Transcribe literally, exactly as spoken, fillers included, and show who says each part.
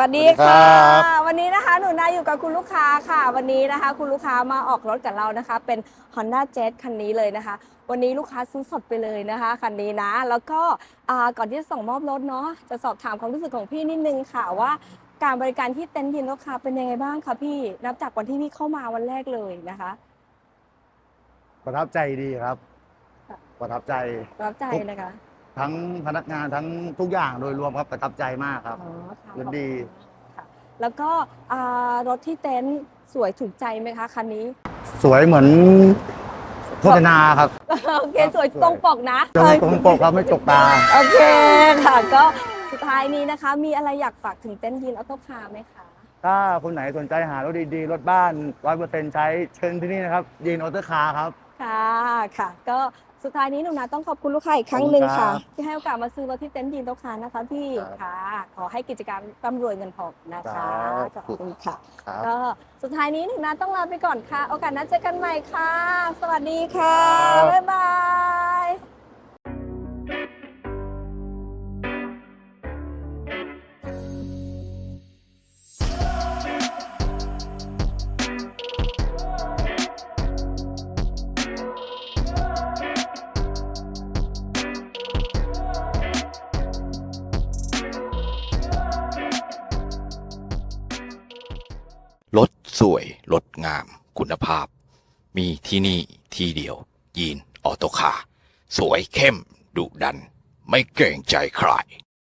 Speaker 1: ดีค่ะวันนี้นะคะหนูนาอยู่กับคุณลูกค้าค่ะวันนี้นะคะคุณลูกค้ามาออกรถกับเรานะคะเป็น Honda Jazz คันนี้เลยนะคะวันนี้ลูกค้าซื้อสดไปเลยนะคะคันนี้นะแล้วก็ก่อนที่จะส่งมอบรถเนาะจะสอบถามความรู้สึกของพี่นิดนึงค่ะว่าการบริการที่เต็นท์ยินลูกค้าเป็นยังไงบ้างคะพี่นับจากวันที่พี่เข้ามาวันแรกเลยนะคะ
Speaker 2: ประทับใจดีครับประทับใจ
Speaker 1: ประทับใจนะคะ
Speaker 2: ทั้งพนักงานทั้งทุกอย่างโดยรวมครับประทับใจมากครับยินดี
Speaker 1: ค่ะแล้วก็รถที่เต็นท์สวยถูกใจไหมคะคันนี้
Speaker 2: สวยเหมือนโฆษณาครับ
Speaker 1: โอเคสวยตรงปกนะ
Speaker 2: ตรงปกครับไม่จกตา
Speaker 1: โอเคค่ะก็สุดท้ายนี้นะคะมีอะไรอยากฝากถึงเต็นท์ยีนออโต้คาร์ไหมคะ
Speaker 2: ถ้าคนไหนสนใจหารถดีๆรถบ้านร้อยเปอร์เซ็นต์ใช้เชิญที่นี่นะครับยีนออโต้คาร์ครับ
Speaker 1: ค่ะค่ะก็สุดท้ายนี้หนูนาต้องขอบคุณลูกค้าอีกครั้งหนึ่งค่ะที่ให้โอกาสมาซื้อรถที่เต็นท์ยีนโตคาร์นะคะพี่ค่ะขอให้กิจการร่ำรวยเงินทองนะคะขอบคุณค่ะก็สุดท้ายนี้หนูนาต้องลาไปก่อนค่ะโอกาสหน้าเจอกันใหม่ค่ะสวัสดีค่ะบ๊ายบาย
Speaker 3: รถสวยรถงามคุณภาพมีที่นี่ที่เดียวยีนออโตคาร์สวยเข้มดุดันไม่เกรงใจใคร